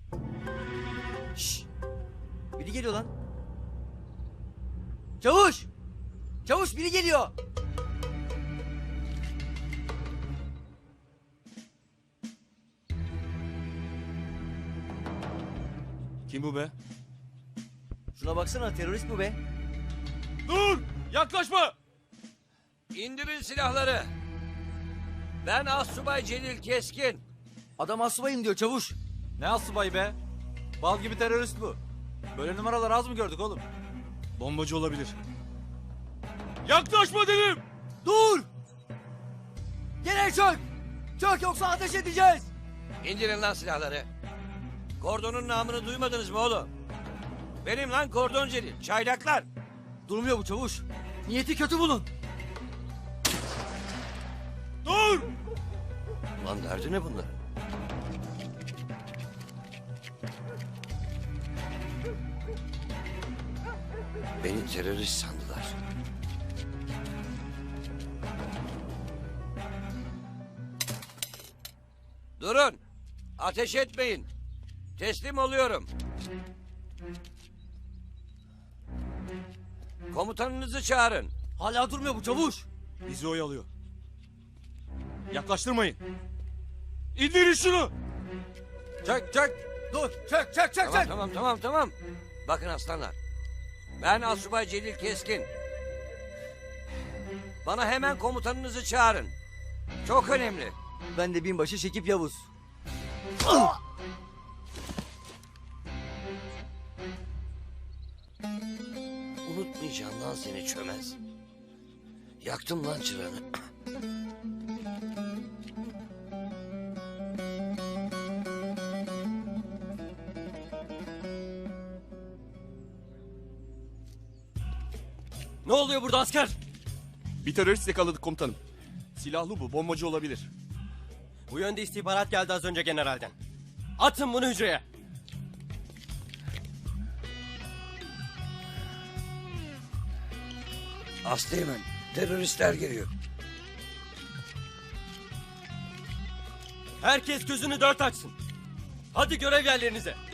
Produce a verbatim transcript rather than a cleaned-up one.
Şşş. Biri geliyor lan. Çavuş. Çavuş biri geliyor. Kim bu be? Şuna baksana, terörist bu be. Dur! Yaklaşma! İndirin silahları. Ben Assubay Celil Keskin. Adam asubayım diyor çavuş. Ne asubayı be? Bal gibi terörist bu. Böyle numaralar az mı gördük oğlum? Bombacı olabilir. Yaklaşma dedim! Dur. Gene çök. Çök yoksa ateş edeceğiz. İndirin lan silahları. Kordonun namını duymadınız mı oğlum? Benim lan Kordon Celil. Çaylaklar. Durmuyor bu çavuş. Niyeti kötü bunun. Dur! Lan derdi ne bunların? Beni terörist sandılar. Durun. Ateş etmeyin. Teslim oluyorum. Komutanınızı çağırın. Hala durmuyor bu çavuş. Bizi oyalıyor. Yaklaştırmayın. İndirin şunu! Çök çök. Dur. Çök çök çök Tamam çök. tamam tamam tamam. Bakın aslanlar. Ben Assubay Celil Keskin. Bana hemen komutanınızı çağırın. Çok önemli. Ben de binbaşı Şekip Yavuz. Unutmayacağım lan seni çömez. Yaktım lan çıranı. Ne oluyor burada asker? Bir terörist yakaladık komutanım. Silahlı bu, bombacı olabilir. Bu yönde istihbarat geldi az önce generalden. Atın bunu hücreye. Aslıyemen, teröristler geliyor. Herkes gözünü dört açsın. Hadi görev yerlerinize.